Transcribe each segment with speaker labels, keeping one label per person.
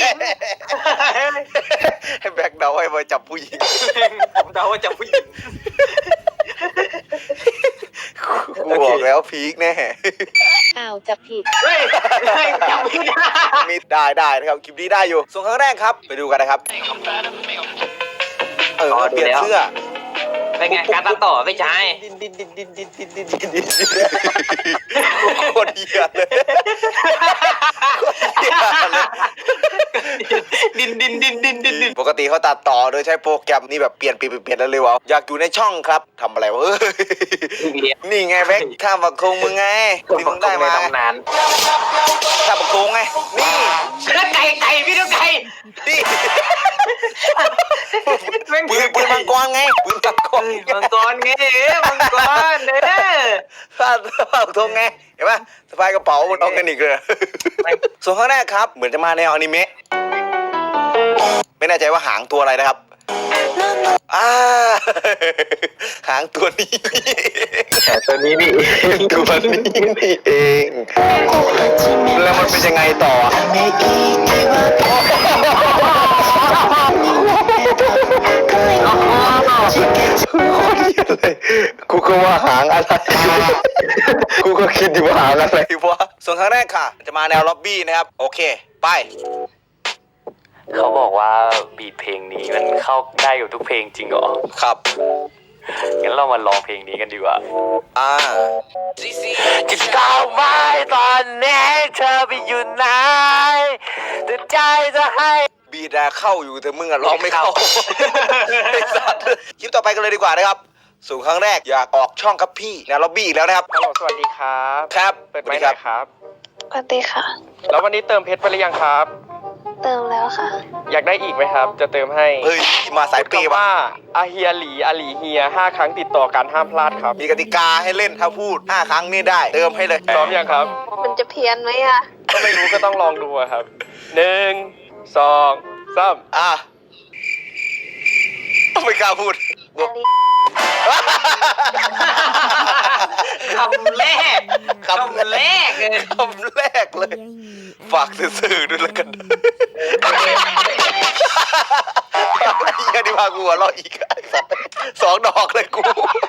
Speaker 1: ให้แบกเดาให้มาจับผู้หญิง
Speaker 2: ผมเดาว่าจับผู้หญิง
Speaker 1: กูบอกแล้วพีคแน่
Speaker 3: อ้าวจับผิด
Speaker 2: จับไม่ได้
Speaker 1: มีได้นะครับคลิปนี้ได้อยู่ส่วนครั้งแรกครับไปดูกันนะครับเปลี่ยนเสื้อ
Speaker 2: เป็นไงการตัดต่อไม่ใช่
Speaker 1: ดินโคตรเหี้ยเลยดินปกติเขาตัดต่อโดยใช้โปรแกรมนี่แบบเปลี่ยนแล้วเลยวะอยากอยู่ในช่องครับทำอะไรวะนี่ไงแบ็คข้ามบักคงมึงไงที่มึงได้มา
Speaker 2: นาน
Speaker 1: ข้ามบักคงไงนี่
Speaker 2: ไก่พี่ดูไก่
Speaker 1: นี่ปืนมังกรไงปืนมังกร
Speaker 2: มังกรไงมังกร
Speaker 1: ข้ามบักคงไงเห็นปะสะพายกระเป๋าบนออร์แกนิกเลยส่วนข้างแรกครับเหมือนจะมาแนวอนิเมะไม่แน่ใจว่าหางตัวอะไรนะครับหางตัวนี้
Speaker 2: ตัวนี้นี่
Speaker 1: เองแล้วมันเป็นยังไงต่อกูก็ว่าหางอะไรกูก็คิดอยู่ว่าหางอะไรวะส่วนครั้งแรกค่ะจะมาแนวล็อบบี้นะครับโอเคไป
Speaker 4: เขาบอกว่าบีทเพลงนี้มันเข้าได้กับทุกเพลงจริงเหรอ
Speaker 1: ครับ
Speaker 4: งั้นเรามาลองเพลงนี้กันดีกว่า
Speaker 1: จะก้าวไม้ตอนนี้เธอไปอยู่ไหนแต่ใจจะให้บีดเข้าอยู่แต่มึงร้องไม่เข้าคลิปต่อไปกันเลยดีกว่านะครับสู่ครั้งแรกอยากออกช่องครับพี่แนวล็อบบี้อีกแล้วนะครับ
Speaker 2: ฮัลโหลสวัสดีครับ
Speaker 1: ครับ
Speaker 2: เปิดไมค์ครับ
Speaker 3: สวัสดีค่ะ
Speaker 2: แล้ววันนี้เติมเพชรไปหรือยังครับ
Speaker 3: เติมแล้วค่ะ
Speaker 2: อยากได้อีกไหมครับจะเติมให้
Speaker 1: เฮ้ยมาสายเปย์
Speaker 2: ว่าอาเฮียหลีอาหลีเฮีย5 ครั้งติดต่อกันห้ามพลาดครับ
Speaker 1: มีกติกาให้เล่นถ้าพูด5 ครั้งนี่ได้เติมให้เลย
Speaker 2: พร้อมยังครับ
Speaker 3: มันจะเพี้ยนไหมอ่ะ
Speaker 2: ก็ไม่รู้ก็ต้องลองดูครับ1 2 3
Speaker 1: ไม่กล้าพูด
Speaker 2: คำแรก
Speaker 1: เลยฝากสื่อด้วยแล้วกันยังดีพากูหัวเราะอีก2 ดอกเลยกู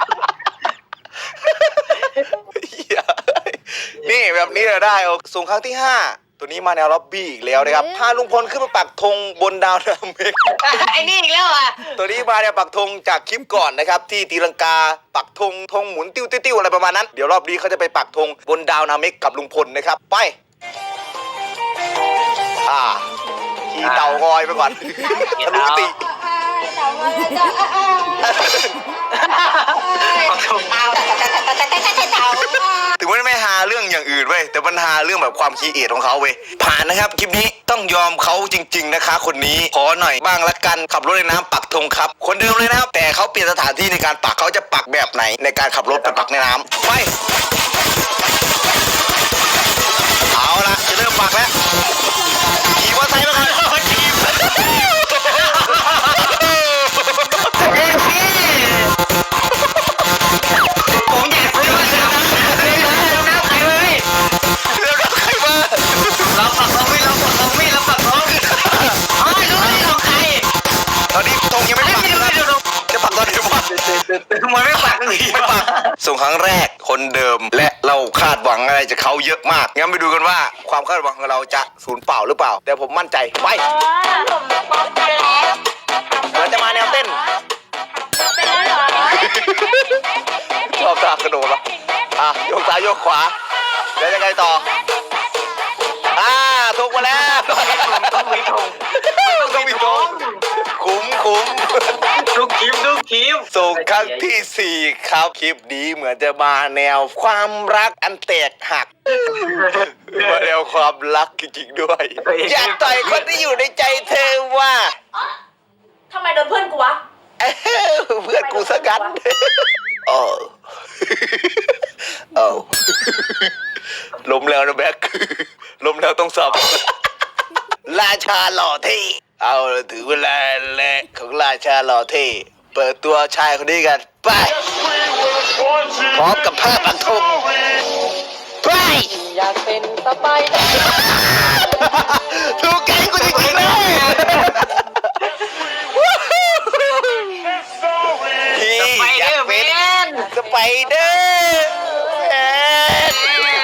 Speaker 1: นี่แบบนี้เราได้ส่งครั้งที่5ตัวนี้มาแนวล็อบบี้อีกแล้วนะครับพาลุงพลขึ้นมาปักธงบนดาวนาเมก
Speaker 2: ไอ้นี่อีกแล้วอ่ะ
Speaker 1: ตัวนี้มาเนี่ยปักธงจากคลิปก่อนนะครับที่ตีลังกาปักธงหมุนติ้วอะไรประมาณนั้นเดี๋ยวรอบนี้เขาจะไปปักธงบนดาวนาเมกกับลุงพลนะครับไปขี่เต่างอยไปก่อนทะลุติถึงไม่หาเรื่องอย่างอื่นเว้ยแต่ปัญหาเรื่องแบบความคิดเอทของเขาเว้ยผ่านนะครับคลิปนี้ต้องยอมเขาจริงๆนะคะคนนี้ขอหน่อยบ้างละกันขับรถในน้ำปักธงครับคนเดิมเลยนะครับแต่เขาเปลี่ยนสถานที่ในการปักเขาจะปักแบบไหนในการขับรถไปปักในน้ำไปเอาละจะเริ่มปักแล้วขี่มอเตอร์ไซค์มาก่อนส่งครั้งแรกคนเดิมและเราคาดหวังอะไรจากเขาเยอะมากงั้นไปดูกันว่าความคาดหวังของเราจะสูญเปล่าหรือเปล่าแต่ผมมั่นใจไปเหมือนจะมาแนวเต้นชอบตากระโดดปะโยกซ้ายโยกขวาแล้วยังไงต่อถูกมาแล้ว
Speaker 2: ต้องมีธง
Speaker 1: คุ้ม
Speaker 2: ทุกคลิป
Speaker 1: ส่งครั้งที่4ครับคลิปนี้เหมือนจะมาแนวความรักอันแตกหักมาแนวความรักจริงๆด้วยอยากต่อยคนที่อยู่ในใจเธอว่า
Speaker 3: ทำไมโดนเพื่อนกูวะ
Speaker 1: เพื่อนกูซะงั้นล้มแล้วนะแบ็คล้มแล้วต้องสับราชาหล่อเท่เอาถึงเวลาแล้วของราชาหล่อเท่เปิดตัวชายคนนี้กันไปพร้อมกับผ้าปักธงไปอยากเป็นสไปเดอร์ถูกแกงกูจริงๆนะพี่อยากเป็นสไปเดอร์แมน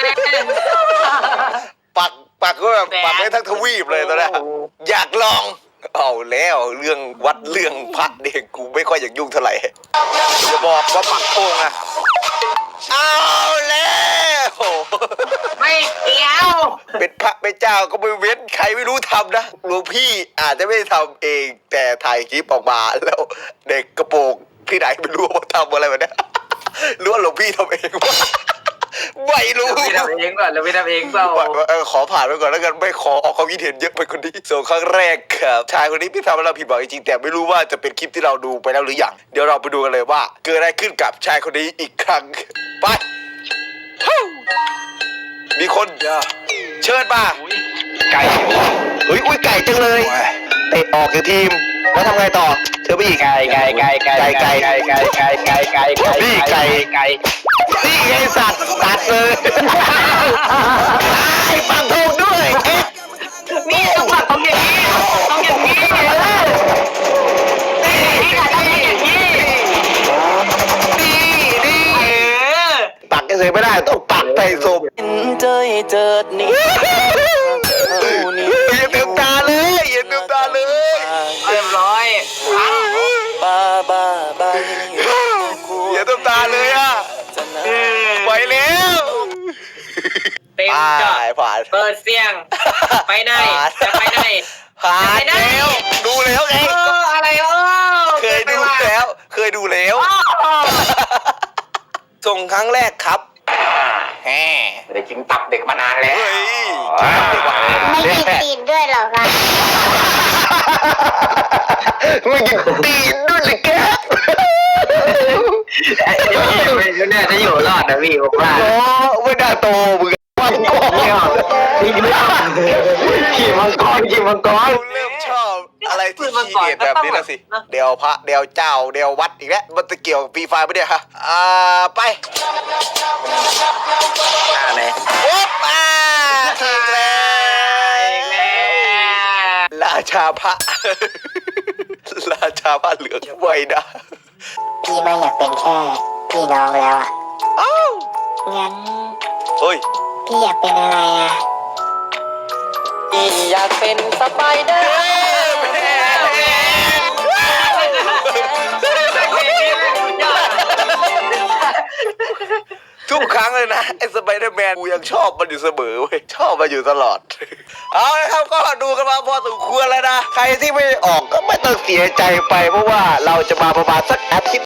Speaker 1: ปักก็แบบปักไว้ทั้งทวีปเลยตอนนี้อยากลองเอาแล้วเรื่องวัดเรื่องพระเด็กกูไม่ค่อยอยากยุ่งเท่าไหร่จะบอกว่าปักโป่งอะเอาแล้ว
Speaker 5: ไม่เกี่ยว
Speaker 1: เป็นพระเป็นเจ้าก็ไม่เว้นใครไม่รู้ทำนะหลวงพี่อาจจะไม่ได้ทำเองแต่ถ่ายคลิปออกมาแล้วเด็กกระโปรงที่ไหนไม่รู้ว่าทำอะไรแบบนี้รู้ว่าหลวงพี่ทำเองวะไม่รู้
Speaker 5: เราไม่ทำเองก่อนเราไม่ทำเองเปล่า
Speaker 1: ขอผ่านไปก่อนแล้วกันไม่ขอออกความคิดเห็นเยอะไปคนนี้ส่วนครั้งแรกครับชายคนนี้พี่ทำให้เราผิดหวังจริงๆแต่ไม่รู้ว่าจะเป็นคลิปที่เราดูไปแล้วหรือยังเดี๋ยวเราไปดูกันเลยว่า เกิดอะไรขึ้นกับชายคนนี้อีกครั้งไปมีคนเชิญมาไก่อุ้ยไก่จังเลยเตะออกจากทีมแล้วทำไงต่อเชิญไปอีกไก่นี่ไก่นี่ไงสัตว์ตัดเลยไอ้ปังถูกด้วย
Speaker 5: นี่ต้องปัดต้องอย่างนี้ต้องอย่างนี้นี่ต้องอย่างนี้
Speaker 1: นี่ปักเฉยไม่ได้ต้องปักใส่ศพ
Speaker 4: เจอเจิดนี่
Speaker 1: อย่าเต็มตาเลยอย่าเต็มตาเลย
Speaker 5: เรียบร้อย
Speaker 4: บ้าบ้า
Speaker 1: อย่าเต็มตาเลยอ่ะไปแล้ว
Speaker 5: เต็มจอ
Speaker 1: ผ่าน
Speaker 5: เปิดเสียงไปไหนจะไปไหน
Speaker 1: ผ่านแล้วดูแล้วไง
Speaker 5: อะไร
Speaker 1: เคยดูแล้วส่งครั้งแรกครับแหม
Speaker 5: ได้กินตับเด็กมานานแล้ว
Speaker 1: เฮ้ย
Speaker 3: ไม่มีตีนด้วยเหรอคะ
Speaker 1: ไม่กินตีนด้วยเลยแก
Speaker 5: ไม่น่าจะอยู่รอดนะพี่ผมว่า
Speaker 1: โอ้ไม่น่าโตมึงว่าโง่
Speaker 5: พี่ไม่ต้องขี่มังกร
Speaker 1: เริ่มชอบอะไรที่ขี้เกียจแบบนี้นะสิเดี๋ยวพระเดี๋ยวเจ้าเดี๋ยววัดอีกแล้วมันจะเกี่ยวกับฟรีไฟไม่ได้ฮะไปโอ๊บถึงแล้วราชาพระราชาพระเหลืองไว้นะ
Speaker 6: พี่ไม่อยากเป็นแค่พี่น้องแล้วอ่ะ
Speaker 1: อ้าว
Speaker 6: งั้น
Speaker 1: เฮ้ย
Speaker 6: พี่อยากเป็นอะไรอ่ะ
Speaker 4: อยากเป็นสไปเดอร์
Speaker 1: ทุกครั้งเลยนะไอ้สไปเดอร์แมนกูยังชอบมันอยู่เสมอเว้ยชอบมันอยู่ตลอดเอาละครับก็ดูกันมาพอสมควรแล้วนะใครที่ไม่ออกก็ไม่ต้องเสียใจไปเพราะว่าเราจะมาประมาณสักอาทิตย์